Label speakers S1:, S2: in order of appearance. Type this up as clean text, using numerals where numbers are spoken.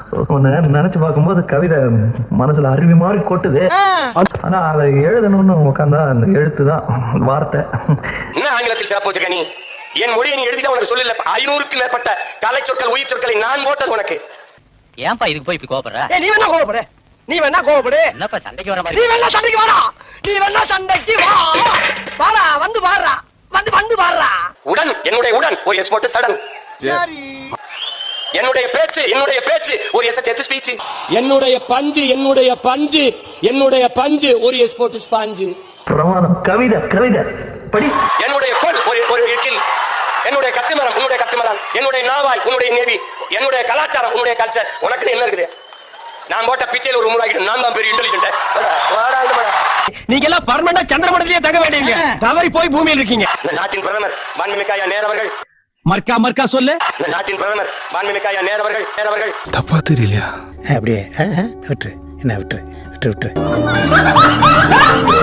S1: நினைச்சு பார்க்கும்போது கவிதை மனசுல அருவி மாதிரி கொட்டுது. ஆனா அதை எழுதணும்னு உட்காந்தா அந்த எழுத்து தான் வார்த்தை.
S2: என்ன ஆங்கிலத்தில் சிறப்பு வச்சிருக்க நீ? என் மொழியை நீ எழுதிட்டு உனக்கு சொல்லல. 500க்கு மேற்பட்ட கலை சொற்கள் உயிர் சொற்களை நான் போட்டது உனக்கு.
S3: ஏன்பா இதுக்கு போய் இப்படி கோபப்படுற?
S4: நீ வேணா கோபப்படு, நீ வேணா கோபப்படு.
S3: என்னப்பா சண்டைக்கு வர மாதிரி?
S4: நீ வேணா சண்டைக்கு வாடா, நீ வேணா சண்டைக்கு வா. வாடா, வந்து பாடுறா, வந்து பாடுறா.
S2: உடன், என்னுடைய உடன் ஒரு எஸ் போட்டு சடன். என்னுடைய பேச்சு ஒரு எஸ் சேர்த்து ஸ்பீச். என்னுடைய பஞ்சு ஒரு எஸ் போட்டு ஸ்பாஞ்சு.
S1: பிரமாதம். கவிதை படி.
S2: என்னுடைய கோல் ஒரு எச்சில். என்னுடைய கட்டுமரம் உன்னுடைய கட்டுமரம். என்னுடைய நாவாய் உன்னுடைய நேவி. என்னுடைய கலாச்சாரம் உன்னுடைய கல்ச்சர். உனக்கு என்ன இருக்குது? நான் போட்ட பிச்சையில் ஒரு உருவாக்கிட்டு நான் தான் பெரிய இன்டெலிஜென்ட்.
S4: நீங்க எல்லாம் பர்மனண்டா சந்திரமண்டலத்திலே தங்க வேண்டியங்க. தவறி போய் பூமியில் இருக்கீங்க.
S2: இந்த நாட்டின் பிரதமர் மாண்புமிகு ஐயா நேரு அவர்கள்.
S4: மர்க்கா சொல்லு.
S2: இந்த நாட்டின் பிரதமர் மாண்புமிகு ஐயா நேரு அவர்கள்.
S5: தப்பா தெரியலையா?
S6: அப்படியே விட்டு என்ன விட்டு